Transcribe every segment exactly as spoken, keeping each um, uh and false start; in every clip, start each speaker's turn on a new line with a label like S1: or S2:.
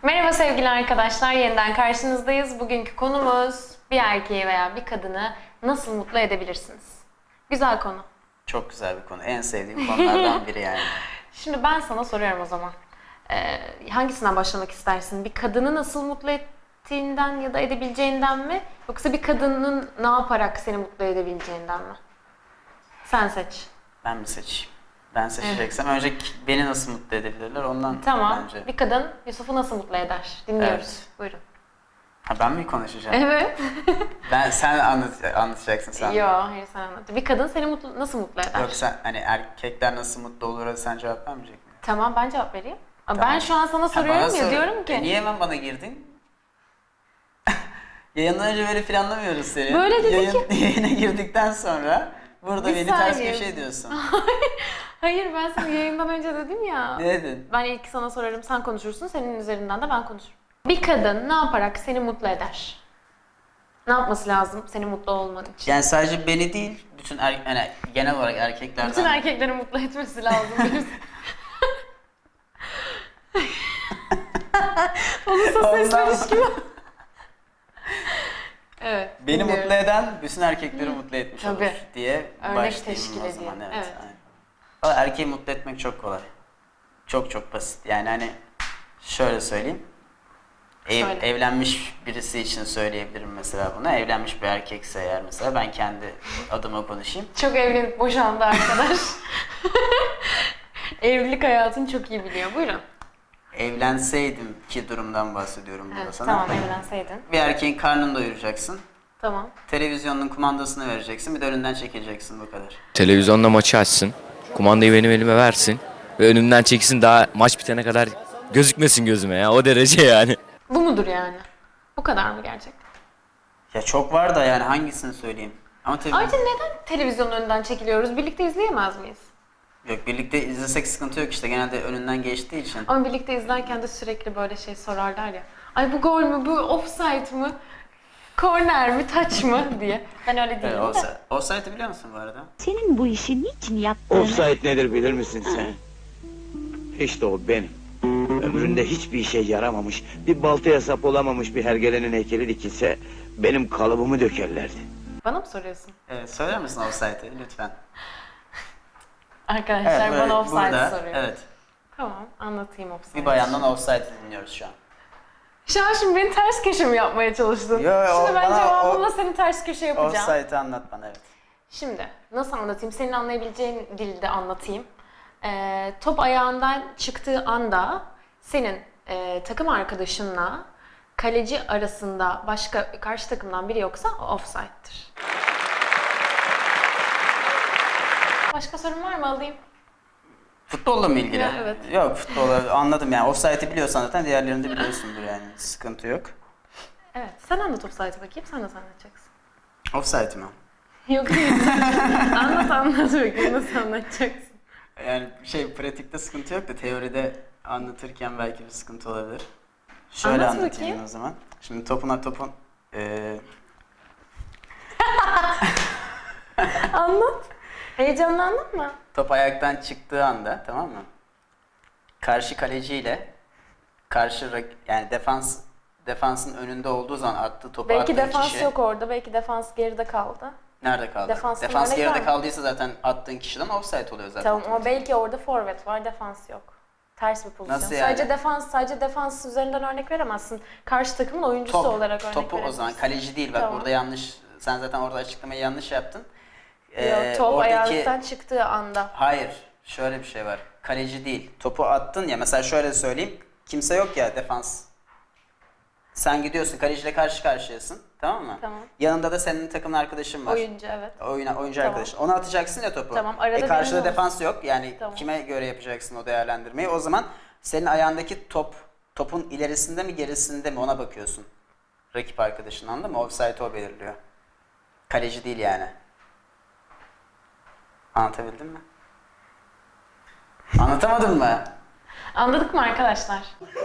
S1: Merhaba sevgili arkadaşlar, yeniden karşınızdayız. Bugünkü konumuz bir erkeği veya bir kadını nasıl mutlu edebilirsiniz? Güzel konu.
S2: Çok güzel bir konu. En sevdiğim konulardan biri yani.
S1: Şimdi ben sana soruyorum o zaman. Ee, hangisinden başlamak istersin? Bir kadını nasıl mutlu ettiğinden ya da edebileceğinden mi? Yoksa bir kadının ne yaparak seni mutlu edebileceğinden mi? Sen seç.
S2: Ben mi seçeyim? Ben seçeceksem önce beni nasıl mutlu edebilirler ondan
S1: Tamam.
S2: bence.
S1: Bir kadın Yusuf'u nasıl mutlu eder? Dinliyoruz.
S2: Evet.
S1: Buyurun.
S2: Ha, ben mi konuşacağım?
S1: Evet.
S2: Ben sen anlat, anlatacaksın sen.
S1: Yo, hayır sen anlat. Bir kadın seni mutlu, nasıl mutlu eder?
S2: Yok sen hani erkekler nasıl mutlu olur sen cevap vermeyecek misin?
S1: Tamam, ben cevap vereyim.
S2: Tamam.
S1: Ben şu an sana
S2: Ha,
S1: soruyorum
S2: bana
S1: ya,
S2: sor.
S1: diyorum ki.
S2: E, niye hemen bana girdin? Yayından önce böyle planlamıyoruz seni.
S1: Böyle dedi
S2: Yayın,
S1: ki-
S2: Yayına girdikten sonra burada
S1: Bir
S2: beni ters
S1: saniye.
S2: köşe diyorsun.
S1: Hayır, ben sana yayından önce dedim ya.
S2: Ne dedin?
S1: Ben ilk sana sorarım, sen konuşursun, senin üzerinden de ben konuşurum. Bir kadın ne yaparak seni mutlu eder? Ne yapması lazım seni mutlu olman için?
S2: Yani sadece beni değil, bütün er, yani genel olarak erkeklerden.
S1: Bütün erkekleri mutlu etmesi lazım. Olursa sesleniş gibi. Evet.
S2: Beni
S1: dinliyorum.
S2: mutlu eden bütün erkekleri mutlu etmiş
S1: Tabii.
S2: olur diye
S1: Örnek
S2: başlayayım
S1: teşkil
S2: o zaman.
S1: ediyor.
S2: Evet.
S1: Evet.
S2: aynen. Valla erkeği mutlu etmek çok kolay. Çok çok basit. Yani hani şöyle söyleyeyim. Ev,
S1: Söyle.
S2: evlenmiş birisi için söyleyebilirim mesela bunu. Evlenmiş bir erkekse eğer mesela ben kendi adıma konuşayım.
S1: Çok evlenip boşandı arkadaş. Evlilik hayatını çok iyi biliyor. Buyurun.
S2: Evlenseydim ki durumdan bahsediyorum burada
S1: Evet,
S2: sana.
S1: tamam, evlenseydin.
S2: Bir erkeğin karnını doyuracaksın.
S1: Tamam.
S2: Televizyonun kumandasını vereceksin. Bir de önünden çekileceksin bu kadar.
S3: Televizyonda maçı açsın. Kumandayı benim elime versin. Ve önümden çeksin, daha maç bitene kadar gözükmesin gözüme ya. O derece yani.
S1: Bu mudur yani? Bu kadar mı gerçekten?
S2: Ya çok var da yani hangisini söyleyeyim? Ama tabii
S1: Ayrıca neden televizyonun önünden çekiliyoruz? Birlikte izleyemez miyiz?
S2: yok birlikte izlesek sıkıntı yok işte genelde önünden geçtiği için.
S1: Ama birlikte izlerken de sürekli böyle şey sorarlar ya. Ay bu gol mü, bu offside mı, korner mi, taç mı diye. Ben öyle değilim
S2: Evet,
S1: de.
S2: offside, offside'ı biliyor musun bu arada?
S4: Senin bu işi niçin yaptığını...
S5: Offside nedir bilir misin sen? İşte o benim. Ömründe hiçbir işe yaramamış, bir baltaya sap olamamış bir hergelenin heykeli dikilse benim kalıbımı dökerlerdi.
S1: Bana mı soruyorsun?
S2: Evet söyler misin offside'ı lütfen?
S1: Arkadaşlar
S2: Evet, böyle
S1: bana offside
S2: burada,
S1: soruyor.
S2: Evet.
S1: Tamam, anlatayım offside.
S2: Bir bayandan offside dinliyoruz şu an.
S1: Şu an şimdi beni ters köşe mi yapmaya çalıştın?
S2: Yo, yo,
S1: şimdi ben
S2: bana
S1: cevabımla
S2: o-
S1: seni ters köşe yapacağım.
S2: Offside'ı anlat bana evet.
S1: Şimdi nasıl anlatayım? Senin anlayabileceğin dilde anlatayım. Ee, top ayağından çıktığı anda senin e, takım arkadaşınla kaleci arasında başka karşı takımdan biri yoksa o offside'dir. Başka sorun var mı, alayım?
S2: Futbolla mı ilgili?
S1: Ya, evet.
S2: Yok futbolla anladım yani offside'ı biliyorsan zaten diğerlerini de biliyorsundur yani sıkıntı yok.
S1: Evet, sen anlat offside'ı bakayım, sen nasıl anlatacaksın?
S2: Offside mi?
S1: Yok değil. Anlat anlat bakayım, nasıl anlatacaksın?
S2: Yani şey pratikte sıkıntı yok da teoride anlatırken belki bir sıkıntı olabilir. Şöyle
S1: Anlat
S2: anlatayım
S1: bakayım.
S2: o zaman. Şimdi topuna topun eee
S1: Anlat. Heyecanlı anlatma.
S2: top ayaktan çıktığı anda tamam mı? Karşı kaleciyle karşı rak- yani defans defansın önünde olduğu zaman attığı topu
S1: Belki
S2: attığın
S1: defans
S2: kişi
S1: yok orada, belki defans geride kaldı.
S2: nerede kaldı?
S1: Defanstan
S2: Defans
S1: örnek
S2: geride
S1: var mı?
S2: kaldıysa zaten attığın kişiden offside oluyor zaten.
S1: Tamam ama belki orada forvet var, defans yok. Ters bir pozisyon.
S2: Nasıl yani?
S1: Sadece defans, sadece defans üzerinden örnek veremezsin. Karşı takımın oyuncusu
S2: Top,
S1: olarak örnek
S2: topu o
S1: verebilirsin.
S2: zaman kaleci değil bak
S1: Tamam.
S2: burada yanlış sen zaten orada açıklamayı yanlış yaptın.
S1: Yok,
S2: Ee,
S1: top
S2: oradaki-
S1: ayaktan çıktığı anda.
S2: Hayır, şöyle bir şey var. Kaleci değil. Topu attın ya mesela şöyle söyleyeyim. Kimse yok ya defans. Sen gidiyorsun kaleciyle karşı karşıyasın. Tamam mı?
S1: Tamam.
S2: Yanında da senin takım arkadaşın var.
S1: Oyuncu, evet.
S2: Oyuna, oyuncu
S1: Tamam.
S2: arkadaşın. Onu atacaksın ya topu.
S1: Tamam, arada
S2: e karşıda
S1: benim
S2: defans yok. Yani
S1: Tamam.
S2: kime göre yapacaksın o değerlendirmeyi? O zaman senin ayağındaki top topun ilerisinde mi gerisinde mi ona bakıyorsun. Rakip arkadaşın anladın mı? Offside o belirliyor. Kaleci değil yani. Anlatabildim mi? Anlatamadın mı?
S1: Anladık mı arkadaşlar?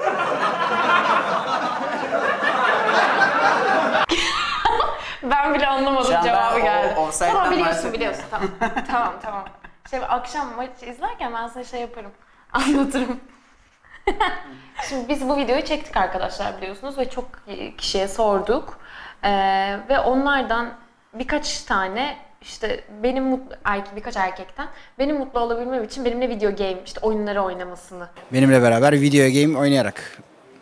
S1: Ben bile anlamadım,
S2: Şu an ben
S1: cevabı
S2: o-
S1: geldi.
S2: offside'den
S1: Tamam, biliyorsun
S2: bahsetmiyorum.
S1: biliyorsun. Tamam tamam tamam. Şey, akşam maç izlerken ben sana şey yaparım. Anlatırım. Şimdi biz bu videoyu çektik arkadaşlar biliyorsunuz ve çok kişiye sorduk. Ee, ve onlardan birkaç tane işte benim mutlu, erkek, birkaç erkekten benim mutlu olabilmem için benimle video game, işte oyunları oynamasını
S6: Benimle beraber video game oynayarak.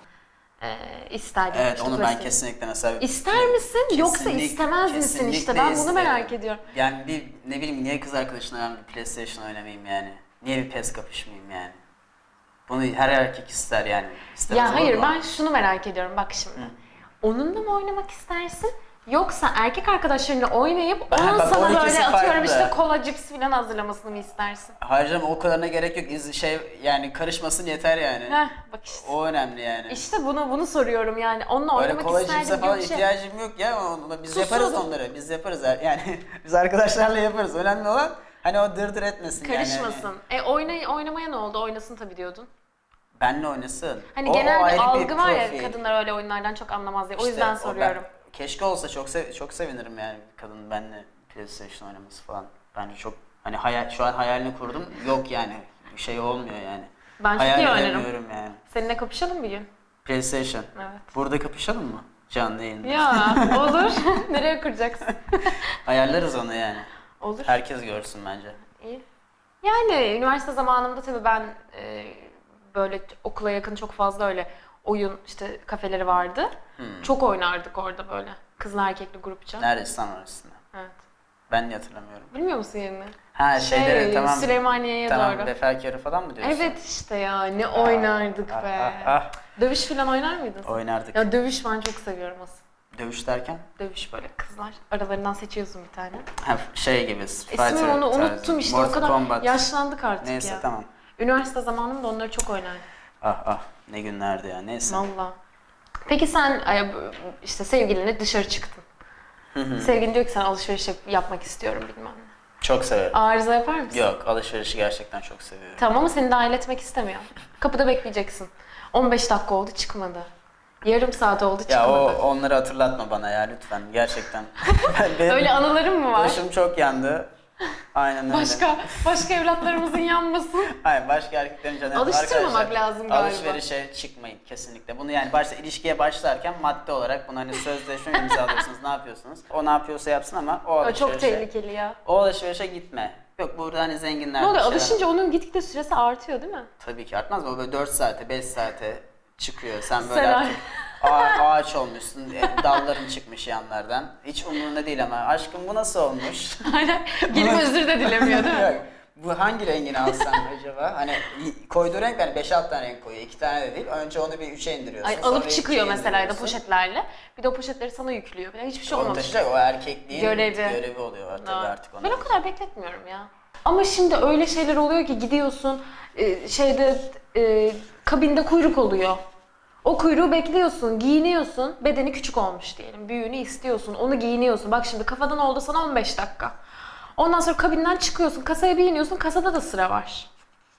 S1: e, isterdim.
S2: Evet,
S1: İşte
S2: onu ben
S1: klasik.
S2: kesinlikle mesela...
S1: İster misin yoksa
S2: Kesinlik-
S1: istemez misin işte,
S2: kesinlikle
S1: ben bunu
S2: isterim.
S1: merak ediyorum.
S2: Yani bir ne bileyim niye kız arkadaşına ben bir PlayStation oynamayayım yani? Niye bir PES kapışmayayım yani? Bunu her erkek ister yani. İstemez
S1: Ya
S2: olur
S1: hayır,
S2: mu?
S1: ben şunu merak ediyorum bak şimdi. Onunla mı oynamak istersin? Yoksa erkek arkadaşlarınla oynayıp
S2: Ben-
S1: onun
S2: bak,
S1: sana
S2: o ikisi
S1: böyle atıyorum
S2: farklı.
S1: işte kola, cips falan hazırlamasını mı istersin?
S2: Hayır canım, o kadarına gerek yok. İz- Şey yani karışmasın yeter yani.
S1: Heh, bak işte.
S2: O önemli yani.
S1: İşte bunu bunu soruyorum yani. Onunla
S2: Öyle
S1: oynamak
S2: kolay
S1: isterdim
S2: cipse
S1: gibi
S2: falan
S1: bir şey.
S2: ihtiyacım yok ya. Onu, biz
S1: Tuzsuz.
S2: yaparız onları. Biz yaparız. Yani biz arkadaşlarla yaparız. Önemli olan hani o dırdır etmesin yani.
S1: Karışmasın. E oynay oynamaya ne oldu? Oynasın tabii diyordun.
S2: Benle oynasın.
S1: Hani
S2: O- o
S1: genel
S2: ayrı
S1: bir algı var ya,
S2: profil.
S1: kadınlar öyle oyunlardan çok anlamaz diye. O
S2: İşte
S1: yüzden
S2: o
S1: soruyorum.
S2: ben- keşke olsa çok sev çok sevinirim yani bir kadın benimle PlayStation oynaması falan. Bence çok hani hayal şu an hayalini kurdum. Yok yani bir şey olmuyor yani.
S1: Ben çok
S2: Hayal
S1: iyi oynarım.
S2: edemiyorum yani.
S1: Seninle kapışalım bir gün.
S2: PlayStation.
S1: Evet.
S2: Burada kapışalım mı? Canlı yayında.
S1: Ya olur. Nereye kuracaksın?
S2: Ayarlarız onu yani.
S1: Olur.
S2: Herkes görsün bence.
S1: İyi. Yani üniversite zamanımda tabii ben e, böyle okula yakın çok fazla öyle oyun işte kafeleri vardı.
S2: Hmm.
S1: Çok oynardık orada böyle. Kızlı erkekli grupça.
S2: Nerede İstanbul arasında?
S1: Evet.
S2: Ben de hatırlamıyorum.
S1: Bilmiyor musun yerini?
S2: Ha şeyleri
S1: Şey,
S2: tamam.
S1: Süleymaniye'ye
S2: Tamam,
S1: doğru.
S2: Befelkörü falan mı diyorsun?
S1: Evet işte ya, ne oynardık
S2: ah,
S1: be.
S2: ah, ah.
S1: Dövüş falan oynar mıydın sen?
S2: Oynardık.
S1: Ya dövüş ben çok seviyorum aslında.
S2: Dövüş derken?
S1: Dövüş böyle kızlar. Aralarından seçiyorsun bir tane.
S2: Ha, şey gibi. Fighter
S1: İsmini onu
S2: tarzı.
S1: unuttum işte,
S2: Mortal
S1: o kadar
S2: Kombat.
S1: yaşlandık artık
S2: Neyse
S1: ya.
S2: tamam.
S1: Üniversite zamanımda onları çok oynardım.
S2: Ah ah ne günlerdi ya, neyse.
S1: Valla. Peki sen ay, işte sevgilinle dışarı çıktın. Sevgilin diyor ki sen alışveriş yap- yapmak istiyorum bilmem ne.
S2: Çok severim.
S1: Arıza yapar mısın?
S2: Yok, alışverişi gerçekten çok seviyorum.
S1: Tamam ama seni dahil etmek istemiyor. Kapıda bekleyeceksin. on beş dakika oldu çıkmadı. Yarım saat oldu
S2: Ya
S1: çıkmadı.
S2: o onları hatırlatma bana ya lütfen gerçekten. Benim
S1: Öyle anılarım mı var?
S2: başım çok yandı. Aynen öyle.
S1: Başka başka evlatlarımızın yanmasın.
S2: Hayır, başka erkeklerin canı.
S1: Alıştırmamak
S2: Arkadaşlar,
S1: lazım galiba.
S2: Alışverişe çıkmayın kesinlikle. Bunu yani başta ilişkiye başlarken madde olarak bunu hani sözleşme imzalıyorsunuz, ne yapıyorsunuz? O ne yapıyorsa yapsın ama o
S1: O
S2: alışverişe,
S1: çok tehlikeli ya.
S2: o alışverişe gitme. Yok burada hani zenginler
S1: Ne oluyor?
S2: bir şeyler-
S1: Alışınca onun gitgide süresi artıyor değil mi?
S2: Tabii ki artmaz mı? O böyle dört saate, beş saate çıkıyor. Sen böyle
S1: Sen
S2: artık ağa- ağaç olmuşsun, e, dalların çıkmış yanlardan. Hiç umurunda değil ama aşkım bu nasıl olmuş?
S1: Aynen. Gelip özür de dilemiyor değil mi?
S2: Yok, bu hangi rengini alsam acaba? Hani y- koyduğu renk hani beş altı tane renk koyuyor. iki tane de değil. Önce onu bir üçe indiriyorsun.
S1: Ay,
S2: sonra
S1: alıp
S2: ikiye
S1: çıkıyor mesela ya da
S2: indiriyorsun.
S1: poşetlerle. Bir de o poşetleri sana yüklüyor. Yani hiçbir şey
S2: Onu
S1: olmamış.
S2: taşıyacak, o erkekliğin
S1: Görevi.
S2: görevi, oluyor tabii
S1: Evet.
S2: artık ona.
S1: Ben o kadar bekletmiyorum ya. Ama şimdi öyle şeyler oluyor ki gidiyorsun e, şeyde e, kabinde kuyruk oluyor. O kuyruğu bekliyorsun, giyiniyorsun. Bedeni küçük olmuş diyelim. Büyüğünü istiyorsun, onu giyiniyorsun. Bak şimdi kafadan oldu sana on beş dakika. Ondan sonra kabinden çıkıyorsun, kasaya bir iniyorsun, kasada da sıra var.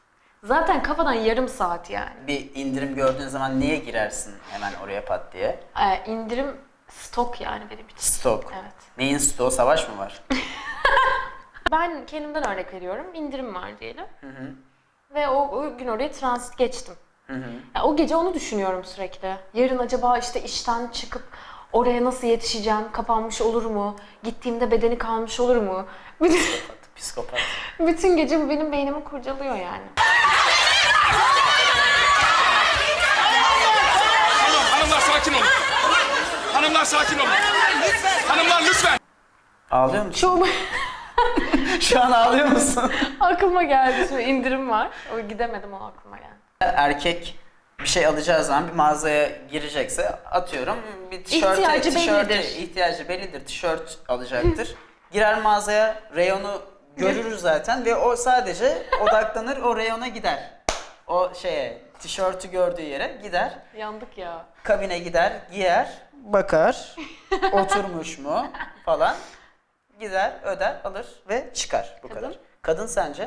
S1: Zaten kafadan yarım saat yani.
S2: Bir indirim gördüğün zaman niye girersin hemen oraya pat diye?
S1: Ee, indirim stok yani benim için.
S2: Stok.
S1: Evet.
S2: Neyin stoğu? Savaş mı var?
S1: Ben kendimden örnek veriyorum. İndirim var diyelim. Ve o, o gün oraya transit geçtim. Ya o gece onu düşünüyorum sürekli. Yarın acaba işte işten çıkıp oraya nasıl yetişeceğim? Kapanmış olur mu? Gittiğimde bedeni kalmış olur mu? Bütün,
S2: Psikopat.
S1: bütün gece bu benim beynimi kurcalıyor yani.
S7: Hanımlar sakin olun. Hanımlar sakin olun. Hanımlar lütfen.
S2: Ağlıyor musun?
S1: Çoğu
S2: Şu an ağlıyor musun?
S1: aklıma geldi. Şimdi indirim var. O gidemedim, o aklıma geldi.
S2: Erkek bir şey alacağı zaman bir mağazaya girecekse atıyorum bir tişörte,
S1: İhtiyacı
S2: tişörte
S1: bellidir.
S2: ihtiyacı bellidir. Tişört alacaktır. Girer mağazaya, reyonu görür zaten ve o sadece odaklanır, o reyona gider. O şeye, tişörtü gördüğü yere gider.
S1: Yandık ya.
S2: Kabine gider, giyer, bakar, oturmuş mu falan. Gider, öder, alır ve çıkar. Bu
S1: Kadın?
S2: kadar. Kadın sence?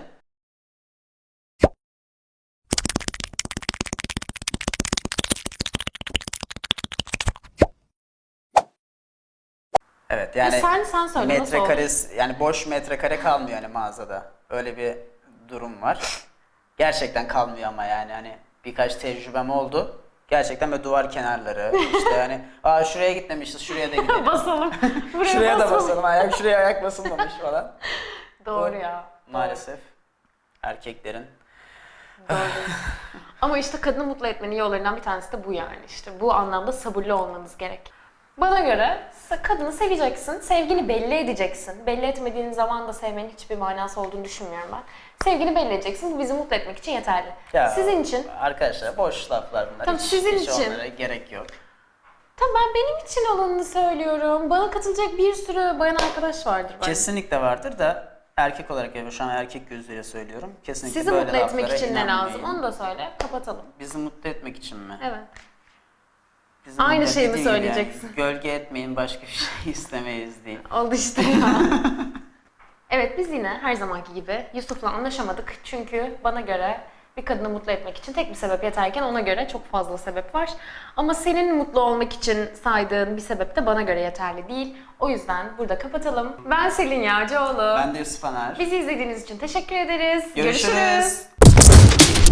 S2: Evet yani
S1: E sen- sen söyle, nasıl
S2: metrekare yani boş metrekare kalmıyor yani mağazada. Öyle bir durum var. Gerçekten kalmıyor ama yani hani birkaç tecrübem oldu. Gerçekten böyle duvar kenarları işte yani aa şuraya gitmemişiz şuraya da gidelim.
S1: Basalım. Buraya
S2: Şuraya da
S1: basalım.
S2: basalım ayak şuraya ayak basılmamış falan.
S1: Doğru
S2: Bu
S1: ya.
S2: Maalesef erkeklerin.
S1: Doğru. Ama işte kadını mutlu etmenin yollarından bir tanesi de bu yani işte. Bu anlamda sabırlı olmanız gerek. Bana göre kadını seveceksin, sevgini belli edeceksin. Belli etmediğin zaman da sevmenin hiçbir manası olduğunu düşünmüyorum ben. Sevgini belli edeceksin, bu bizi mutlu etmek için yeterli.
S2: Ya,
S1: Sizin için,
S2: Arkadaşlar boş laflar bunlar.
S1: Tamam,
S2: hiç,
S1: sizin
S2: hiç
S1: için.
S2: onlara gerek yok.
S1: tamam ben benim için olanını söylüyorum. Bana katılacak bir sürü bayan arkadaş vardır bence.
S2: Kesinlikle vardır da erkek olarak yani şu an erkek gözüyle söylüyorum. Kesinlikle
S1: Sizi
S2: böyle
S1: mutlu etmek
S2: laflara
S1: için ne
S2: inanmayın.
S1: lazım? Onu da söyle, kapatalım.
S2: Bizi mutlu etmek için mi?
S1: Evet.
S2: Bizi
S1: Aynı
S2: mutlu
S1: şeyi mi
S2: ettiği gibi
S1: söyleyeceksin?
S2: Yani, gölge etmeyin başka bir şey istemeyiz değil.
S1: Oldu işte ya. Evet biz yine her zamanki gibi Yusuf'la anlaşamadık. Çünkü bana göre bir kadını mutlu etmek için tek bir sebep yeterken ona göre çok fazla sebep var. Ama senin mutlu olmak için saydığın bir sebep de bana göre yeterli değil. O yüzden burada kapatalım. Ben Selin Yağcıoğlu.
S2: Ben de Yusuf Anar.
S1: Bizi izlediğiniz için teşekkür ederiz.
S2: Görüşürüz.
S1: Görüşürüz.